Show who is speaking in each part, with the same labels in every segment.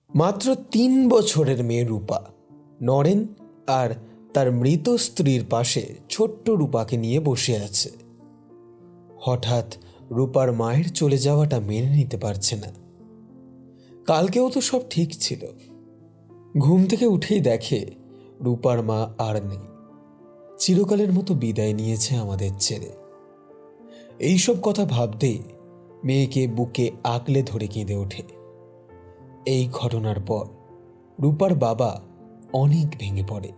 Speaker 1: মাত্র ৩ বছরের মেয়ে রূপা নরেন আর তার মৃত স্ত্রীর পাশে ছোট্ট রূপাকে নিয়ে বসে আছে। হঠাৎ রূপার মায়ের চলে যাওয়াটা মেনে নিতে পারছে না। কালকেও তো সব ঠিক ছিল। ঘুম থেকে উঠেই দেখে রূপার মা আর নেই, চিরকালের মতো বিদায় নিয়েছে আমাদের ছেড়ে। এইসব কথা ভাবতেই মেয়েকে বুকে আঁকলে ধরে কেঁদে ওঠে। এই ঘটনার পর রূপার বাবা অনেক ভেঙে পড়ে।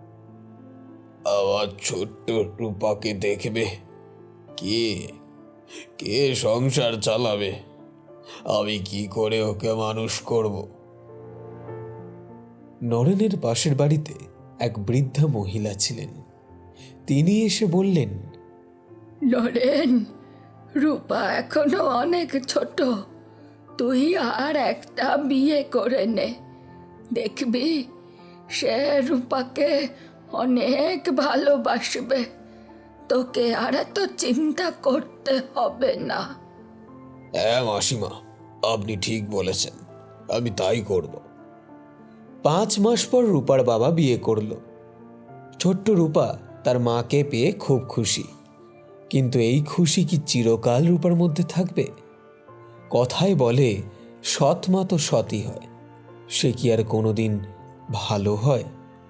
Speaker 2: আমার ছোট্ট রূপাকে দেখবে কে? কে সংসার চালাবে? আমি কি করে ওকে মানুষ করব?
Speaker 1: নরেনের পাশের বাড়িতে এক বৃদ্ধা মহিলা ছিলেন। তিনি এসে বললেন,
Speaker 3: নরেন, রূপা এখনো অনেক ছোট, তুই আর একটা বিয়ে করে নে। দেখবি সে রূপাকে অনেক ভালোবাসবে, তোকে আর এত চিন্তা করতে হবে না।
Speaker 2: হ্যাঁ মাসিমা, আপনি ঠিক বলেছেন, আমি তাই করব।
Speaker 1: 5 মাস পর রূপার বাবা বিয়ে করল। ছোট্ট রূপা তার মাকে পেয়ে খুব খুশি। কিন্তু এই খুশি কি চিরকাল রূপার মধ্যে থাকবে? কথায় বলে, সৎ মা তো সৎই হয়, সে কি আর কোনোদিন ভালো হয়?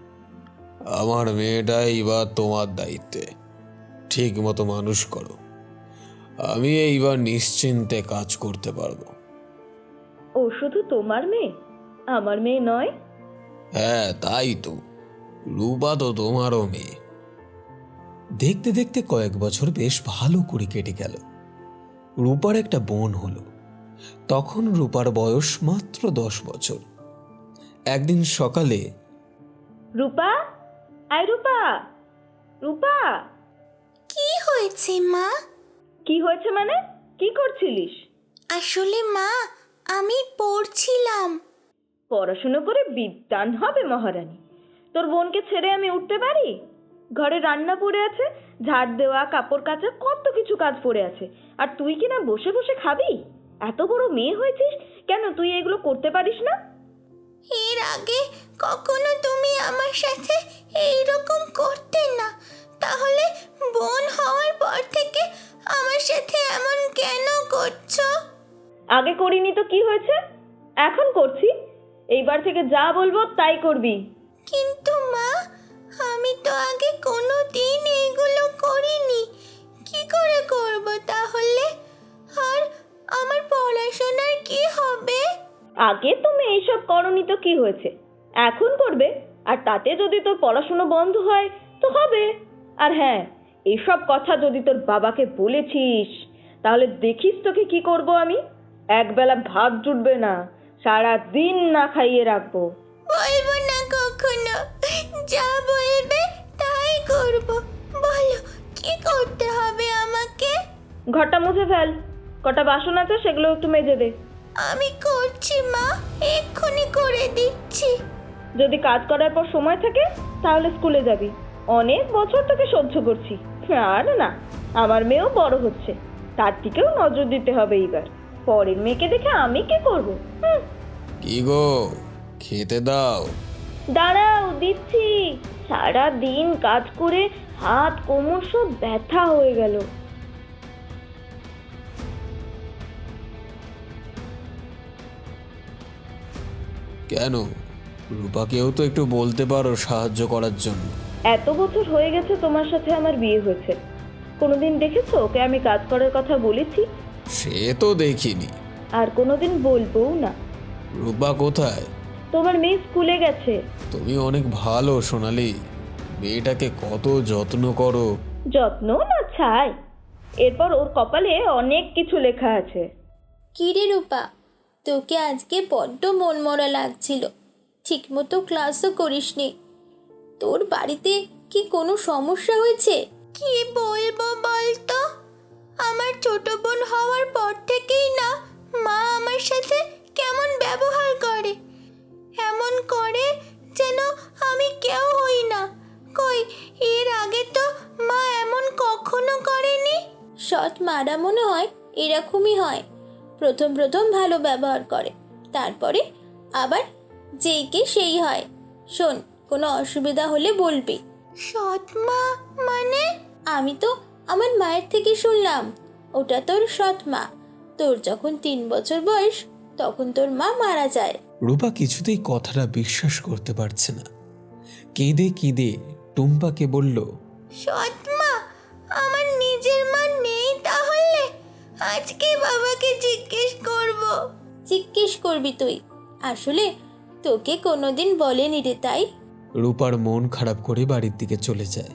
Speaker 2: আমার মেয়েটাই বা তোমার দায়িত্বে, ঠিক মতো মানুষ করো। আমি এইবার নিশ্চিন্তে কাজ করতে পারবো।
Speaker 4: ও শুধু তোমার মেয়ে, আমার মেয়ে নয়?
Speaker 2: হ্যাঁ তাই তো, রূপা তো তোমারও মেয়ে।
Speaker 1: দেখতে দেখতে কয়েক বছর বেশ ভালো করে কেটে গেল। রূপার একটা বোন হলো। তখন রূপার বয়স মাত্র 10 বছর। একদিন সকালে,
Speaker 4: রূপা, আয় রূপা, রূপা।
Speaker 5: কি হয়েছে মা?
Speaker 4: কি হয়েছে মানে? কি করছিলিস?
Speaker 5: আসলে মা, আমি পড়ছিলাম।
Speaker 4: পড়াশুনো করে বিদ্বান হবে মহারানী। তোর বোনকে ছেড়ে আমি উঠতে পারি? ঘরে রান্না পড়ে আছে, ঝাড় দেওয়া, কাপড় কাচা, কত কিছু কাজ পড়ে আছে, আর তুই কি না বসে বসে খাবি? এত বড় মেয়ে হয়েছিস, কেন তুই এগুলো করতে পারিস না?
Speaker 5: এর আগে কখনো তুমি আমার সাথে এইরকম করতে না, তাহলে বোন হওয়ার পর থেকে আমার সাথে এমন কেন করছো?
Speaker 4: আগে করিনি তো কি হয়েছে, এখন করছি। এইবার থেকে যা বলবো তাই করবি।
Speaker 5: কিন্তু মা, আমি তো আগে কোনো দিন এগুলো করিনি, কি করে করব তাহলে? আর আমার পড়াশোনার কি হবে?
Speaker 4: আগে তুমি এইসব করনি তো কি হয়েছে, এখন করবে। আর তাতে যদি তোর পড়াশুনো বন্ধ হয় তো হবে। আর হ্যাঁ, এইসব কথা যদি তোর বাবাকে বলেছিস, তাহলে দেখিস তোকে কি করব আমি। একবেলা ভাত জুটবে না, সারা দিন না খাইয়ে রাখবো।
Speaker 5: বলবো না কখনো, যা বলবে তাই করব। বলো কি করতে হবে আমাকে?
Speaker 4: ঘরটা মুছে ফেল, কটা বাসন আছে সেগুলো একটু মেজে দে।
Speaker 5: আমি করছি মা, এক্ষুনি করে দিচ্ছি।
Speaker 4: যদি কাজ করার পর সময় থাকে তাহলে স্কুলে যাবি। অনেক বছর তোকে সহ্য করছি, আর না, আমার মেয়েও বড় হচ্ছে, তার দিকেও নজর দিতে হবে এইবার। পরের মেয়েকে দেখে আমি কি করবো?
Speaker 2: কি গো, খেতে দাও।
Speaker 4: দাঁড়াও, দিচ্ছি। সারা দিন কাজ করে হাত কোমর সব ব্যথা হয়ে গেল।
Speaker 2: কেন, রূপাকেও তো একটু বলতে পারো সাহায্য করার জন্য।
Speaker 4: এত বছর হয়ে গেছে তোমার সাথে আমার বিয়ে হয়েছে, কোনোদিন দেখেছো ওকে আমি কাজ করার কথা বলেছি?
Speaker 2: সে তো দেখিনি।
Speaker 4: আর কোনোদিন বলবোও না।
Speaker 2: রূপা কোথায়?
Speaker 4: তোমার মেয়ে স্কুলে গেছে।
Speaker 2: তুমি অনেক ভালো সোনালি, মেয়েটাকে কত যত্ন করো।
Speaker 4: যত্ন না ছাই, এরপর ওর কপালে অনেক কিছু লেখা আছে।
Speaker 5: কি রে রূপা, তোকে আজকে বড্ড মনমরা লাগছিল, ঠিকমতো ক্লাসও করিসনি। তোর বাড়িতে কি কোনো সমস্যা হয়েছে? কি বলবো বলতো, আমার ছোট বোন হওয়ার পর থেকেই না মা আমার সাথে কেমন ব্যবহার করে, এমন করে যেন আমি কেউ হই না। কই, এর আগে তো মা এমন কখনো করেনি। সৎ মারা মনে হয় এরকমই হয়, প্রথম প্রথম ভালো ব্যবহার করে, তারপরে আবার যেই কে সেই হয়। শোন, কোনো অসুবিধা হলে বলবি। সৎ মা মানে? আমি তো আমার মায়ের থেকে শুনলাম ওটা তোর সৎ মা। তোর যখন 3 বছর বয়স তখন তোর মা মারা যায়।
Speaker 1: রূপা কিছুতেই কথাটা বিশ্বাস করতে পারছে না। কেঁদে কেঁদে টুম্পাকে বলল,
Speaker 5: সৎ মা আমার নিজের মা নেই, তাহলে আজকে বাবাকে জিজ্ঞেস করব। জিজ্ঞেস করবি তুই? আসলে তোকে কোনোদিন বলেনি রে, তাই।
Speaker 1: রূপার মন খারাপ করে বাড়ির দিকে চলে যায়।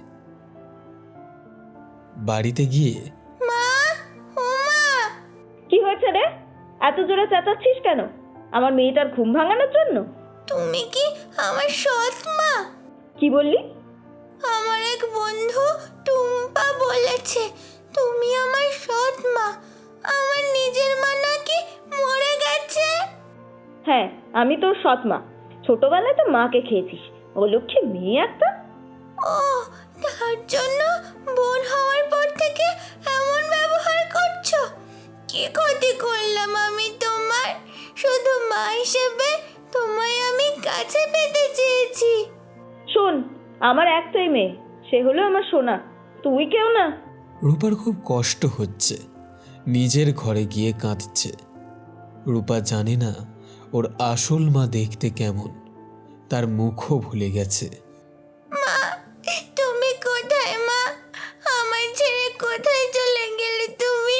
Speaker 1: বাড়িতে গিয়ে,
Speaker 5: মা, ও মা।
Speaker 4: কি হয়েছে রে? এত জোরে চেঁচাচ্ছিস কেন? আমার মেয়েটার ঘুম ভাঙানোর জন্য?
Speaker 5: তুমি কি আমার সৎ মা?
Speaker 4: কি বললি?
Speaker 5: আমার এক বন্ধু টুম্পা বলেছে তুমি আমার সৎ মা। আমার নিজের মা নাকি মরে গেছে।
Speaker 4: হ্যাঁ, আমি তোর সৎ মা। ছোটবেলায় তো মাকে খেয়েছিস। ও লক্ষ্মী মেয়ে একটা।
Speaker 5: ও, তার জন্য বোন হওয়ার পর থেকে এমন ব্যবহার করছো? কি ক্ষতি করলাম আমি তোমার? শুধু মা হিসেবে তোমায় আমি কাছে পেতে চেয়েছি।
Speaker 4: শোন, আমার একটাই মেয়ে, সে হলো আমার সোনা। তুই কেউ না।
Speaker 1: রূপার খুব কষ্ট হচ্ছে। নিজের ঘরে গিয়ে কাঁদছে। রূপা জানে না ওর আসল মা দেখতে কেমন। তার মুখও ভুলে গেছে।
Speaker 5: মা, তুমি কোথায় মা? আমার ছেড়ে কোথায় চলে গেলে তুমি?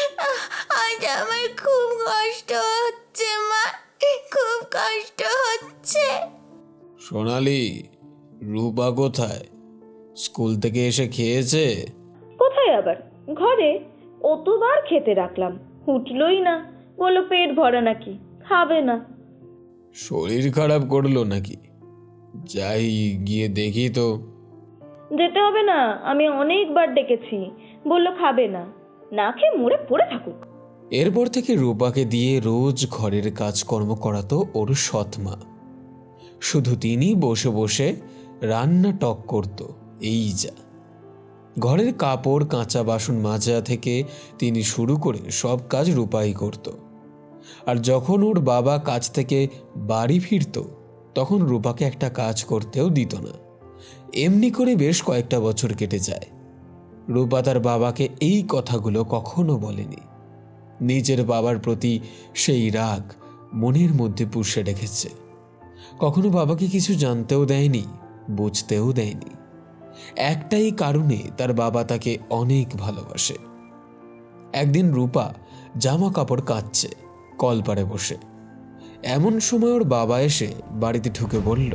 Speaker 5: আজ আমার খুব কষ্ট হচ্ছে মা, খুব কষ্ট হচ্ছে।
Speaker 2: সোনালি, রূপা কোথায়? স্কুল থেকে এসে খেয়েছে?
Speaker 4: কোথায় আবার? ঘরে। অতবার খেতে রাখলাম, উঠলই না। বললো পেট ভরা নাকি, খাবে না।
Speaker 2: শরীর খারাপ করলো নাকি? যাই গিয়ে দেখি তো।
Speaker 4: যেতে হবে না, আমি অনেকবার ডেকেছি। বললো খাবে না, না খেয়ে মরে পড়ে থাকুক।
Speaker 1: এরপর থেকে রূপাকে দিয়ে রোজ ঘরের কাজকর্ম করাতো ওর সৎ মা। শুধু তিনি বসে বসে রান্না টক করত, এই যা। ঘরের কাপড় কাঁচা বাসন মাজা থেকে তিনি শুরু করে সব কাজ রূপাই করত। আর যখন ওর বাবা কাজ থেকে বাড়ি ফিরত তখন রূপাকে একটা কাজ করতেও দিত না। এমনি করে বেশ কয়েকটা বছর কেটে যায়। রূপা তার বাবাকে এই কথাগুলো কখনো বলেনি। নিজের বাবার প্রতি সেই রাগ মনের মধ্যে পুষে রেখেছে। কখনো বাবাকে কিছু জানতেও দেয়নি, বুঝতেও দেয়নি। একটাই কারণে তার বাবা তাকে অনেক ভালোবাসে। একদিন রূপা জামা কাপড় কাচ্ছে কলপারে বসে। এমন সময় ওর বাবা এসে বাড়িতে ঢুকে বলল,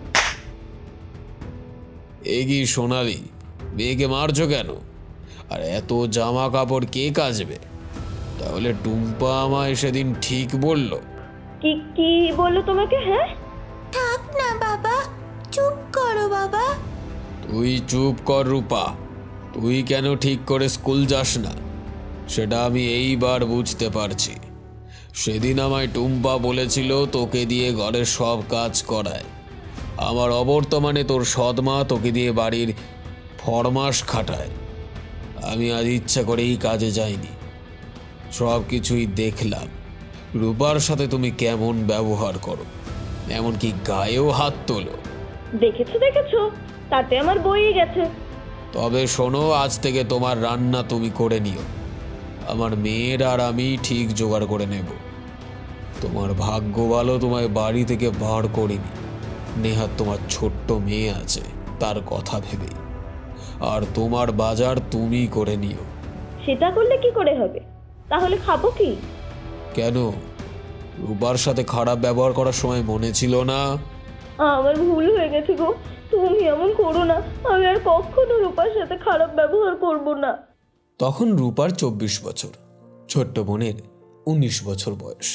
Speaker 2: এ কি সোনালি, মেয়েকে মারছো কেন? আর এত জামা কাপড় কে কাচবে? তাহলে টুম্পা আমায় সেদিন ঠিক বললো।
Speaker 4: কি কি বললো তোমাকে? হ্যাঁ,
Speaker 5: থাক না বাবা, চুপ করো বাবা।
Speaker 2: তুই চুপ কর রূপা। তুই কেন ঠিক করে স্কুল যাস না সেটা আমি এইবার বুঝতে পারছি। সেদিন আমায় টুম্পা বলেছিল তোকে দিয়ে ঘরের সব কাজ করায়। আমার অবর্তমানে তোর সৎমা তোকে দিয়ে বাড়ির ফরমাস খাটায়। আমি আজ ইচ্ছা করেই কাজে যাইনি। সব কিছুই দেখলাম। রূপার সাথে তুমি কেমন ব্যবহার করো, এমনকি গায়েও হাত তোলো।
Speaker 4: দেখেছো দেখেছো, তাতে আমার বইয়ে গেছে।
Speaker 2: তবে শোনো, আজ থেকে তোমার রান্না তুমি করে নিও। আমার মেয়ের আর আমি ঠিক জোগাড় করে নেব। তোমার ভাগ্য ভালো তোমায় বাড়ি থেকে বার করিনি। নেহাত তোমার ছোট্ট মেয়ে আছে তার কথা ভেবে। আর তোমার বাজার তুমি করে নিও।
Speaker 4: সেটা করলে কি করে হবে? তাহলে খাবো কি?
Speaker 2: কেন, রূপার সাথে খারাপ ব্যবহার করার সময় মনে ছিল না?
Speaker 4: আমার ভুল হয়ে গেছে গো, তুমি এমন করো না। আমি আর কখনো রূপার সাথে খারাপ ব্যবহার করব না।
Speaker 1: তখন রূপার 24 বছর, ছোট্ট বোনের 19 বছর বয়স।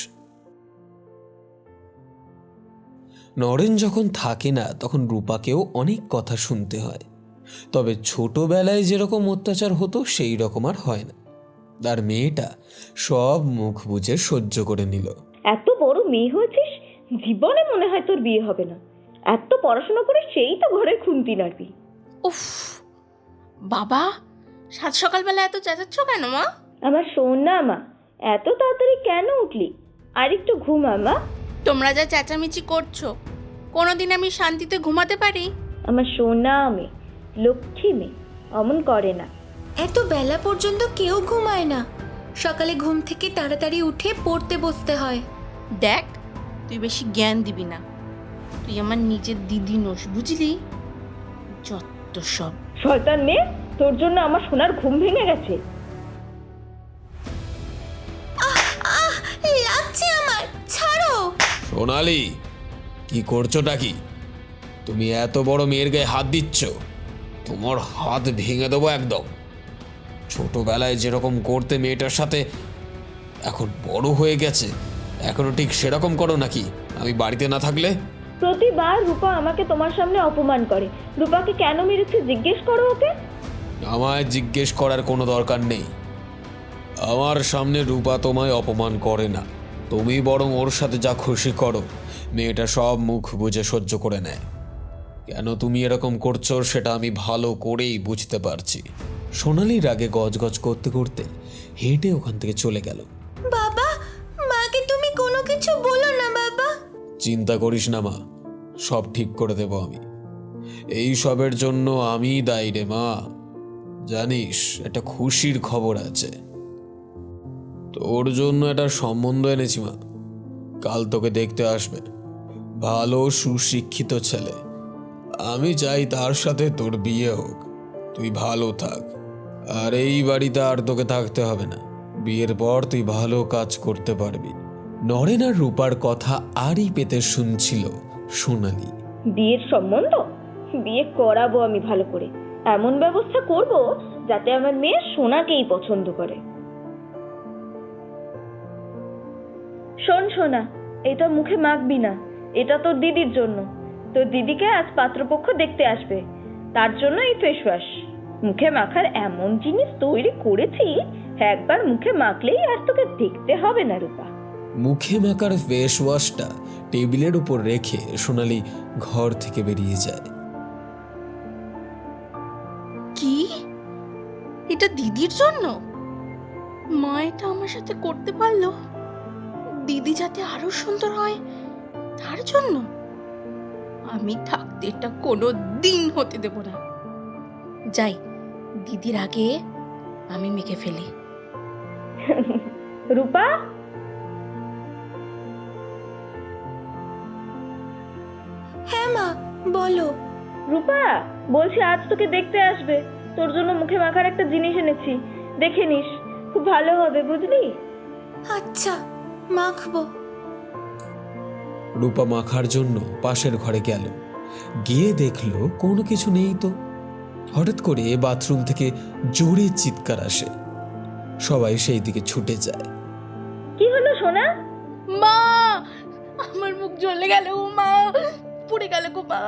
Speaker 1: নরেন যখন থাকে না তখন রূপাকেও অনেক কথা শুনতে হয়। তবে ছোটবেলায় যেরকম অত্যাচার হতো সেই রকম আর হয় না। তার মেয়েটা সব মুখ বুজে সহ্য করে নিল।
Speaker 4: এত বড় মেয়ে হয়েছিস, জীবনে মনে হয় তোর বিয়ে হবে না। এত পড়াশোনা করে সেই তো ঘরের খুন্তি নাড়বি।
Speaker 6: উফ বাবা, সাত সকালবেলা এত চেঁচাচ্ছ কেন মা?
Speaker 4: আমার সোনা মা, এত তাড়াতাড়ি কেন উঠলি? আর একটু ঘুমা মা।
Speaker 6: তোমরা যা চেঁচামেচি করছো, কোনোদিন আমি শান্তিতে ঘুমাতে পারি?
Speaker 4: আমার সোনা মেয়ে, লক্ষ্মী মেয়ে, অমন করে না।
Speaker 5: এত বেলা পর্যন্ত কেউ ঘুমায় না। সকালে ঘুম থেকে তাড়াতাড়ি উঠে পড়তে বসতে হয়।
Speaker 6: দেখ, তুই বেশি জ্ঞান দিবি না। তুই আমার নিজের দিদি নোস, বুঝলি? যত সব।
Speaker 4: শয়তান মেয়ে, তোর জন্য আমার সোনার ঘুম ভেঙে গেছে।
Speaker 5: লাগছে আমার, ছাড়ো।
Speaker 2: সোনালি, কি করছোটা কি? তুমি এত বড় মেয়ের গায়ে হাত দিচ্ছ? তোমার হাত ভেঙে দেবো একদম। ছোটবেলায় যেরকম করতে মেয়েটার সাথে, এখন বড় হয়ে গেছে, এখনো ঠিক সেরকম করো নাকি আমি বাড়িতে না থাকলে?
Speaker 4: প্রতিবার রূপা আমাকে তোমার সামনে অপমান করে। রূপাকে কেন মেরেছে জিজ্ঞেস করো ওকে।
Speaker 2: আমায় জিজ্ঞেস করার কোনো দরকার নেই। আমার সামনে রূপা তোমায় অপমান করে না, তুমি বরং ওর সাথে যা খুশি করো। মেয়েটা সব মুখ বুজে সহ্য করে নেয়। কেন তুমি এরকম করছো সেটা আমি ভালো করেই বুঝতে পারছি।
Speaker 1: সোনালির রাগে গজগজ করতে করতে হেঁটে ওখান থেকে চলে গেল।
Speaker 5: বাবা, মাকে তুমি কোনো কিছু বলো না বাবা।
Speaker 2: চিন্তা করিস না মা, সব ঠিক করে দেব আমি। এই সবের জন্য আমি দায়ী রে মা। জানিস, একটা খুশির খবর আছে। তোর জন্য একটা সম্বন্ধ এনেছি মা, কাল তোকে দেখতে আসবে। ভালো সুশিক্ষিত ছেলে, আমি চাই তার সাথে তোর বিয়ে হোক। তুই ভালো থাক, আর এই বাড়িতে আর তোকে থাকতে হবে না। বিয়ের পর তুই ভালো কাজ করতে পারবি।
Speaker 1: নরেন আর রূপার কথা আরই পেতে শুনছিল সোনালি।
Speaker 4: বিয়ের সম্বন্ধ? বিয়ে করাবো আমি ভালো করে। এমন ব্যবস্থা করব যাতে আমার মেয়ে সোনাকেই পছন্দ করে। শোন সোনা, এটা মুখে মাখবি না, এটা তোর দিদির জন্য। তোর দিদিকে আজ পাত্রপক্ষ দেখতে আসবে, তার জন্য এই ফেস ওয়াশ। মুখে মাখার এমন জিনিস তৈরি করেছি, একবার মুখে মাখলেই আর তোকে দেখতে হবে না রূপা।
Speaker 1: মুখে মাখার ফেস ওয়াশটা টেবিলের উপর রেখে সোনালি ঘর থেকে বেরিয়ে যায়।
Speaker 6: কি? এটা দিদির জন্য? মা এটা আমার সাথে করতে পারলো, দিদি যাতে আরো সুন্দর হয় তার জন্য? আমি থাকতে এটা কোনো দিন হতে দেব না। যাই, দিদির আগে আমি মেখে ফেলি।
Speaker 4: রূপা,
Speaker 5: হ্যাঁ মা, বলো।
Speaker 4: রূপা বলছি আজ তোকে দেখতে আসবে, তোর জন্য মুখে মাখার একটা জিনিস এনেছি, দেখে নিস, খুব ভালো হবে বুঝলি।
Speaker 5: আচ্ছা, মাখবো।
Speaker 1: রূপা মাখার জন্য পাশের ঘরে গেল, গিয়ে দেখলো কোনো কিছু নেই তো। হঠাৎ করে বাথরুম থেকে জোরে চিৎকার আসে, সবাই সেই দিকে ছুটে যায়।
Speaker 4: কি হলো সোনা?
Speaker 6: মা, আমার মুখ জ্বলে গেল, মা পুড়ে গেল গো মা।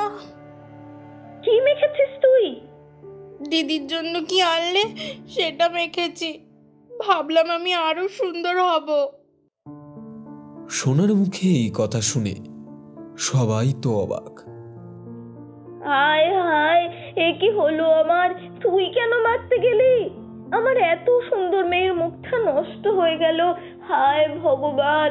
Speaker 4: কি মেখেছিস তুই?
Speaker 6: দিদির জন্য কি আনলে সেটা মেখেছি, ভাবলাম আমি আরো সুন্দর হব।
Speaker 1: সোনার মুখে এই কথা শুনে সবাই তো অবাক।
Speaker 4: হায় হায়, এ কি হলো আমার? তুই কেন মারতে গেলি? আমার এত সুন্দর মেয়ের মুখটা নষ্ট হয়ে গেল, হায় ভগবান।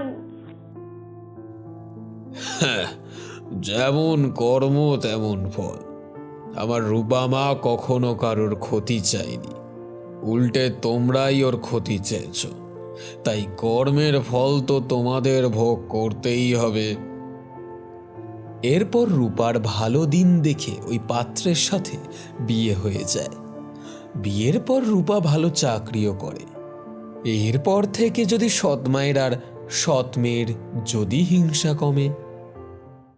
Speaker 2: যেমন কর্ম তেমন ফল। আমার রূপা মা কখনো কারোর ক্ষতি চাইনি, উল্টে তোমরাই ওর ক্ষতি চেয়েছ। তাই কর্মের ফল তো তোমাদের ভোগ করতেই হবে।
Speaker 1: এরপর রূপার ভালো দিন দেখে ওই পাত্রের সাথে বিয়ে হয়ে যায়। বিয়ের পর রূপা ভালো চাকরিও করে। এরপর থেকে যদি সৎ মায়ের আর সৎ মেয়ের যদি হিংসা কমে,